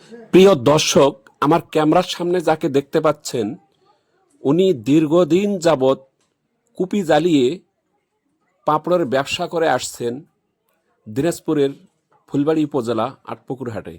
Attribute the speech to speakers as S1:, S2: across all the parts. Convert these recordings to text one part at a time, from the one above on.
S1: প্রিয় দর্শক, আমার ক্যামেরার সামনে যাকে দেখতে পাচ্ছেন উনি দীর্ঘদিন যাবৎ কুপি জ্বালিয়ে পাঁপড়ের ব্যবসা করে আসছেন দিনাজপুরের ফুলবাড়ী উপজেলা আটপুকুর হাটে।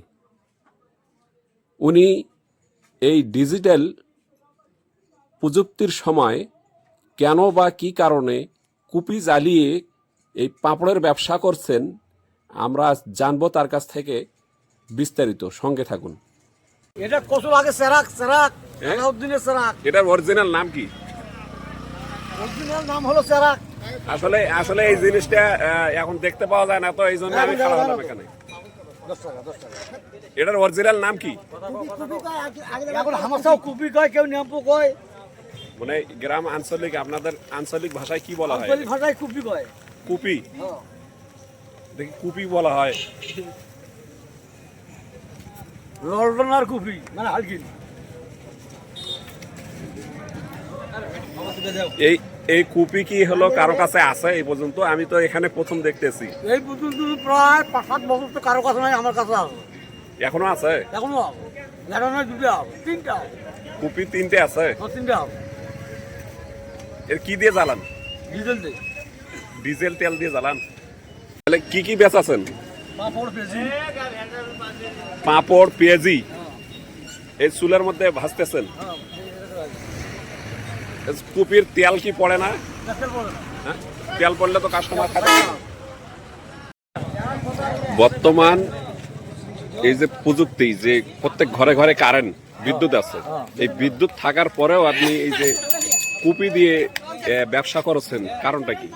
S1: উনি এই ডিজিটাল প্রযুক্তির সময় কেন বা কী কারণে কুপি জ্বালিয়ে এই পাঁপড়ের ব্যবসা করছেন আমরা জানবো তার কাছ থেকে বিস্তারিত। সঙ্গে থাকুন।
S2: এটা কচু লাগে সেরাক সেরাক আলাউদ্দিনের সেরাক।
S1: এটার অরিজিনাল নাম কি?
S2: অরিজিনাল নাম হলো সেরাক।
S1: আসলে আসলে এই জিনিসটা এখন দেখতে পাওয়া যায় না, তো এই জন্য আমি খারাপ হলাম এখানে।
S2: 10 টাকা 10 টাকা।
S1: এটার অরিজিনাল নাম কি?
S2: এখন হামাসাও কুপি কয়, কেউ নেম্পু কয়।
S1: মানে গ্রাম আঞ্চলিক, আপনাদের আঞ্চলিক ভাষায় কি বলা হয়?
S2: আঞ্চলিক ভাষায় কুপি কয়।
S1: কুপি?
S2: হ্যাঁ।
S1: দেখি কুপি বলা হয়।
S2: লন্ডনার কুপি মানে হালকিন।
S1: এই এই কুপি কি হলো কারো কাছে আছে এই পর্যন্ত? আমি তো এখানে প্রথম দেখতেছি।
S2: এই পর্যন্ত প্রায় 5-7 বছর তো কারো কাছে নাই, আমার কাছে আছে।
S1: এখনো আছে?
S2: এখনো আছে। একটা নয়, দুটো আছে, তিনটা আছে।
S1: কুপি 3টে আছে?
S2: তিনটা আছে।
S1: এর কি দিয়ে জ্বালান?
S2: ডিজেল দিয়ে।
S1: ডিজেল তেল দিয়ে জ্বালান? তাহলে কি কি বেচাছেন?
S2: পাঁপড় পেঁয়াজি।
S1: পাঁপড় পেঁয়াজি এই চুলের মধ্যে ভাজতেছেন? কুপির তেল কি পড়ে না? হ্যাঁ? তেল পড়লে তো কাস্টমার খাবে না। বর্তমান এই যে প্রযুক্তি, যে প্রত্যেক ঘরে ঘরে কারেন্ট বিদ্যুৎ আছে, এই বিদ্যুৎ থাকার পরেও আপনি এই যে কুপি দিয়ে ব্যবসা করছেন, কারণটা কি?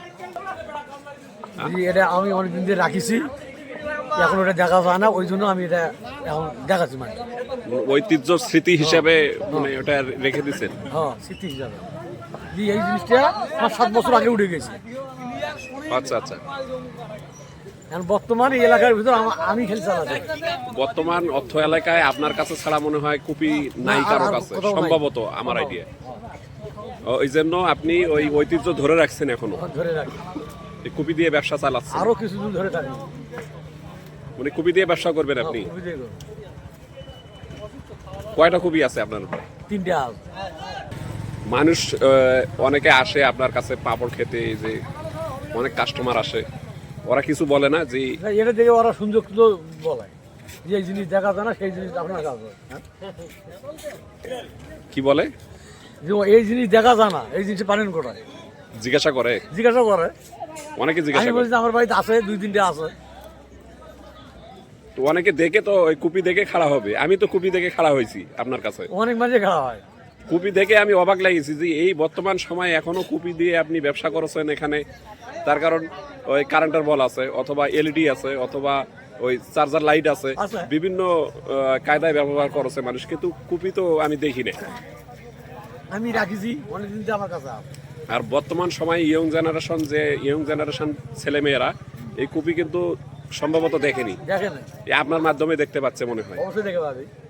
S2: এটা আমি অনেকদিন দিয়ে রাখিছি, এখন ওটা দেখা যায় না, ওই জন্য আমি এটা এখন দেখাচ্ছি। মানে
S1: ঐতিহ্য স্মৃতি হিসাবে মানে ওটা রেখে দিচ্ছেন?
S2: হ্যাঁ, স্মৃতি হিসাবে। এই জিনিসটা 5-7 বছর আগে উঠে গেছে।
S1: আচ্ছা আচ্ছা।
S2: এখন বর্তমান এই এলাকার ভিতর আমি খেলে চালাচ্ছি।
S1: বর্তমান অর্থ এলাকায় আপনার কাছে ছাড়া মনে হয় কুপি নাই কারো কাছে, সম্ভবত আমার আইডিয়া। ওই জন্য আপনি ওই ঐতিহ্য ধরে রাখছেন এখনো?
S2: ধরে রাখি,
S1: কুপি দিয়ে ব্যবসা চালাচ্ছেন?
S2: আরো কিছুদিন ধরে থাকি।
S1: মানে কুপি দিয়ে ব্যবসা করবেন আপনি?
S2: কুপি দিয়ে করব।
S1: কয়টা কুপি আছে আপনার?
S2: 3টে আছে।
S1: মানুষ অনেকে আসে আপনার কাছে পাঁপড় খেতে, এই যে অনেক কাস্টমার আসে, ওরা কিছু বলে না যে
S2: এটা দেখে ওরা সুযোগ তো বলে যে এই জিনিস দেখা যায় না, সেই জিনিস আপনার কাছে?
S1: কি বলে
S2: যে এই জিনিস দেখা যায় না, এই জিনিস পারেন কোথায়?
S1: জিজ্ঞাসা করে?
S2: জিজ্ঞাসা করে,
S1: অনেকে জিজ্ঞাসা
S2: আমি
S1: করে।
S2: বলছি আমার বাড়িতে আছে, 2-3টে আছে।
S1: তো অনেকে দেখে তো ওই কুপি দেখে খাড়া হবে। আমি তো কুপি দেখে খাড়া হয়েছি আপনার কাছে।
S2: অনেক মাঝে খাওয়া হয়।
S1: কুপি দেখে আমি অবাক লাগিয়েছি যে এই বর্তমান সময় এখনো কুপি দিয়ে আপনি ব্যবসা করছেন এখানে। তার কারণ ওই কারেন্টের বল আছে, অথবা এলইডি আছে, অথবা ওই চার্জার লাইট আছে, বিভিন্ন কায়দায় ব্যবহার করেছে মানুষ, কিন্তু কুপি তো আমি দেখি না।
S2: আমি রাখিছি অনেকদিন আমার কাছে আছে।
S1: আর বর্তমান সময় ইয়ং জেনারেশন ছেলেমেয়েরা এই কুপি কিন্তু সম্ভবত দেখেনি,
S2: দেখেন
S1: আপনার মাধ্যমে দেখতে পাচ্ছে মনে হয়।
S2: অবশ্যই দেখে পাবি।